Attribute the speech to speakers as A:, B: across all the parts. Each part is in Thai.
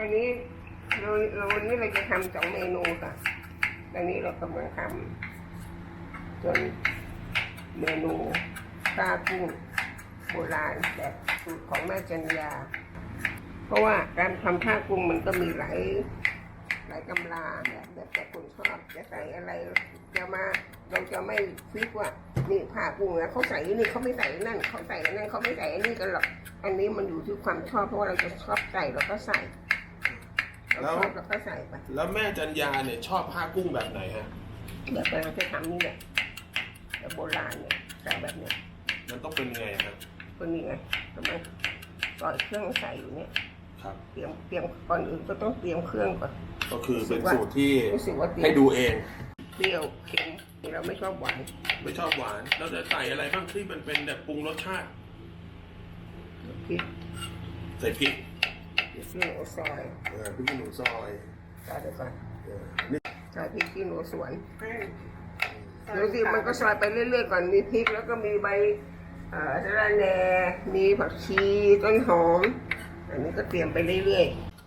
A: อันนี้วันนี้เราจะทำ2 เมนูค่ะตอนนี้เรากำลังทำจนเมนูปลากุ้งโบราณแบบสูตรของแม่จันยาเพราะว่าการทำผ้ากุ้งมันก็มีหลายกำลาแบบแต่คนชอบจะใส่อะไรเราจะไม่ฟิกว่านี่ผ้ากุ้งนะเขาใส่นี่เขาไม่ใส่นั่นเขาใส่นั่นเขาไม่ใส่อันนี้กันหรอกอันนี้มันอยู่ที่ความชอบเพราะว่าเราจะชอบใส่เราก็ใส่เราก็ใส่ไป
B: แล้วแม่จันยาเนี่ยชอบผ้ากุ้งแบบไหนฮะ
A: แบบเราจะทำนี่แหละแบบโบราณเนี่ยใส่แบบเนี้ย
B: มันต้องเป็นไงครับ
A: ก็นี่ไงทำไมก่อนเครื่องใส่อยู่เนี่ย
B: ครับ
A: เตรียมก่อนอื่นก็ต้องเตรียมเครื่องก่อน
B: ก็คือเป็นสูตรที่
A: ให้
B: ดูเอง
A: เปรี้ยวเค็มเราไม่ชอบหวาน
B: เราจะใส่อะไรบ้างที่มันเป็นแบบปรุงรสชาติ
A: พริก
B: ใส่พริก
A: ขี้หนูซอย
B: พริกขี้หนูซอย
A: ใส่ไปก่อนใส่พริกขี้หนูสวนดูสิมันก็ซอยไปเรื่อยๆก่อนมีพริกแล้วก็มีใบสะระแหน่มีผักชีต้นหอมอันนี้ก็เตรียมไปเรื่อย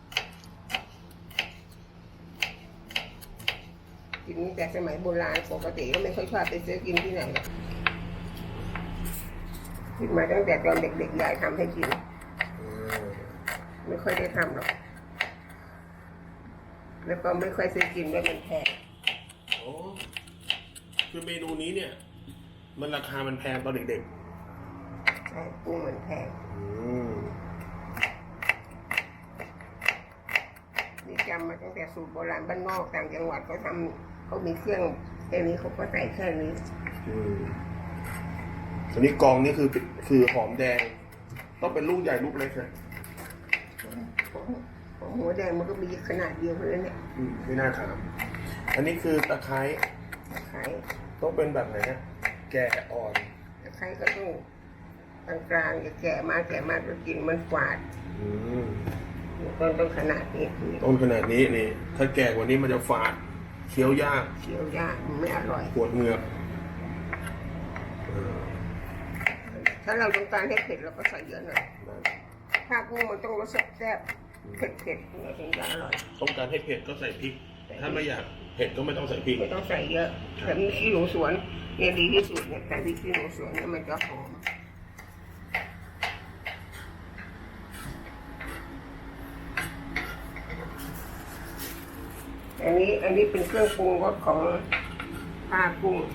A: ๆกินแต่สมัยโบราณปกติก็ไม่ค่อยชอบไปซื้อกินที่ไหนหรอกกินมาตั้งแต่ตอนเด็กๆยายทำให้กินไม่ค่อยได้ทำหรอกแล้วก็ไม่ค่อยซื้อกินด้วยมันแพง
B: โอ้คือเมนูนี้เนี่ยมันราคามันแพงตอนเด็ก
A: ๆใช่กุ้งมันแพงนี่จำมาตั้งแต่สูตรโบราณบ้านนอกต่างจังหวัดเขามีเครื่องแค่นี้เขาก็ใส่แค่นี้
B: อันนี้กองนี่คือหอมแดงต้องเป็นลูกใหญ่ลูกเล็กนะ
A: หัวแดงมันก็มีขนาดเดียวเท่านั้นเนี่ย
B: ไม่น่าถามอันนี้คือตะไคร้ต้องเป็นแบบไหนฮะแก่อ่อน
A: ตะไคร้ก็ต้องกลางๆอย่าแก่มากก็กินมันฝาดต้นขนาดนี้
B: นี่ถ้าแก่กว่านี้มันจะฝาดเคี้ยวยาก
A: มันไม่อร่อย
B: ปวดเหงือก
A: ถ้าเราต้องการให้เผ็ดเราก็ใส่เยอะหน่อยถ้ากุ้งมันต้องรสแซ่บเผ็ดถึงจะอร่อย
B: ต้องการให้เผ็ดก็ใส่พริกถ้าไม่อยากเผ็ดก็ไม่ต้องใส่พริก
A: ไม่ต้องใส่เยอะแต่มีขี้หนูสวนเนี่ยดีที่สุดเนี่ยแต่ขี้หนูสวนเนี่ยมันจะหอมอันนี้เป็นเครื่องปรุงรสของผ้ากุ้ง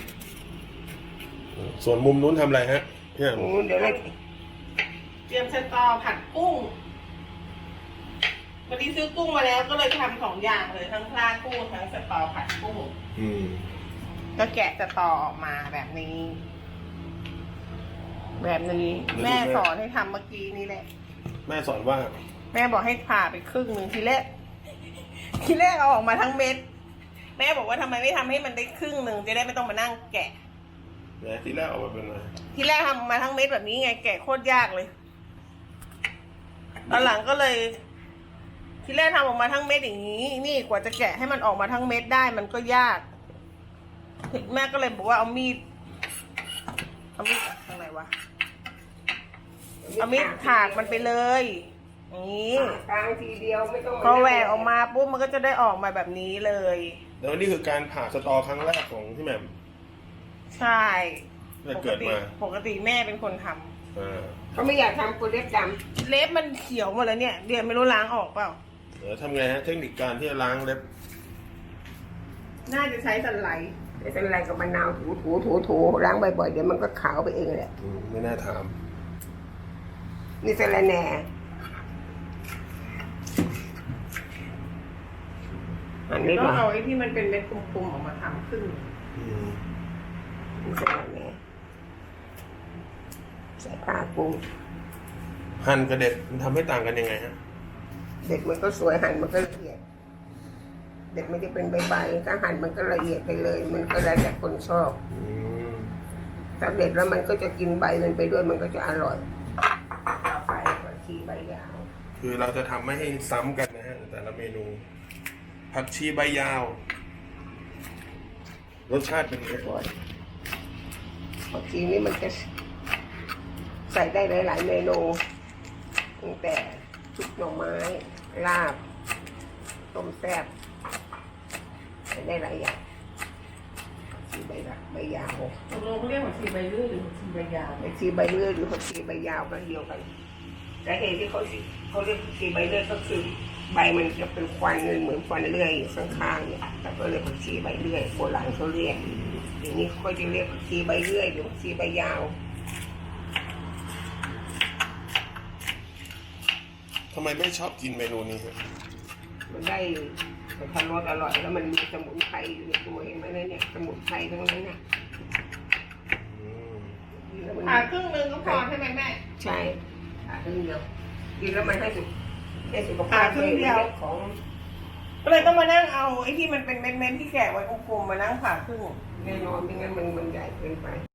B: ส่วนมุมนู้นทำอะไรฮะเนี่ย
A: เดี๋ยวเรา
C: เตรียมสตอผัดกุ้งวันนี้ซื้อกุ้งมาแล้วก็เลยทำ2 อย่างเลยทั้งปลากุ้งทั้งสตอผัดกุ้งก็แกะสตอออกมาแบบนี้แม่สอนให้ทำเมื่อกี้นี่แหละ
B: แม่สอนว่า
C: แม่บอกให้ผ่าไปครึ่งนึงทีแรกเอาออกมาทั้งเม็ดแม่บอกว่าทำไมไม่ทำให้มันได้ครึ่งนึงจะได้ไม่ต้องมานั่งแกะ
B: ทีแรกออกมาเป็นไง
C: ทีแรกทำมาทั้งเม็ดแบบนี้ไงแกะโคตรยากเลยตอนหลังก็เลยทีแรกทำออกมาทั้งเม็ดอย่างนี้นี่กว่าจะแกะให้มันออกมาทั้งเม็ดได้มันก็ยากแม่ก็เลยบอกว่าเอามีดทางไหนวะเอามีดถากมันไปเลยนี่
A: ทางทีเดียวไม่ต้อง
C: พอแหวกออกมาปุ๊บมันก็จะได้ออกมาแบบนี้เลย
B: แล้วนี่คือการผ่าสตอครั้งแรกของพี่แหม่ม
C: ใช่ปกติแม่เป็นคนท
A: ำเขาไม่อยากทำกูเล็บด
C: ำเล็บมันเขียวหมดแล้วเนี่ยเดี๋ยวไม่รู้ล้างออกเปล่า
B: ทำไงฮะเทคนิคการที่จะล้างเล็บ
C: น่าจะใช้สันไหล
A: กับมะนาวถูล้างบ่อยๆเดี๋ยวมันก็ขาวไปเองแหละ
B: ไม่น่าถาม
A: นี่สะระแหน่
C: ก็เอาไอ้ที่มันเป็นเม็ดกลมๆออกมาทำขึ้น
A: นี่สะระแหน่ใส่ผ้ากุ้ง
B: หั่นกับเด็ดมันทำให้ต่างกันยังไงฮะ
A: เด็ดมันก็สวยหั่นมันก็ละเอียดเด็ดมันจะเป็นใบๆถ้าหั่นมันก็ละเอียดไปเลยมันก็แล้วแต่คนชอบถ้าเด็ดแล้วมันก็จะกินใบมันไปด้วยมันก็จะอร่อยไปผักชีใบยาว
B: คือเราจะทำไม่ให้ซ้ำกันนะฮะแต่ละเมนูผักชีใบยาวรสชาติเป็นยังไง
A: ผักชีนี่มันจะใส่ได้หลายๆเมนูตั้งแต่ชุบหน่อไม้ลาบต้มแซ่บได้หลายอย่างชีใบละใบยาว
C: ตกลงเขาเรียกผักชีใบเลื่อยหรือผักชีใบยาว
A: ผักชีใบเลื่อยหรือผักชีใบยาวก็เดียวกันแต่เหตุที่เขาเรียกผักชีใบเลื่อยก็คือใบมันจะเป็นควันเหมือนควันเลื่อยอยู่ข้างๆเนี่ยแต่ก็เรียกผักชีใบเลื่อยโบราณเขาเรียกเดี๋ยวนี้เขาจะเรียกผักชีใบเลื่อยหรือผักชีใบยาว
B: ทำไมไม่ชอบกินเมนูนี้ครับ
A: มันได้มันทานรสอร่อยแล้วมันมีสมุนไพรอยู่ในตัวเองไหมเนี่ยสมุนไพรทั้งนั้นเนี่ย
B: อืม
A: แล้วมัน
C: ผ่าครึ่งนึงก็พอใช่ไหมแม่
A: ใช่ผ่าครึ่งเดียวกินแล้วมันให้สุขภา
C: ผ่า
A: พ
C: ครึ่งเดียว
A: ของ
C: ก็เลยต้องมานั่งเอาไอ้ที่มันเป็นเม็ดๆที่แกะไว้กลมๆมานั่งผ่าครึ่ง
A: แน่นอนไม่งั้นมันใหญ่เกินไป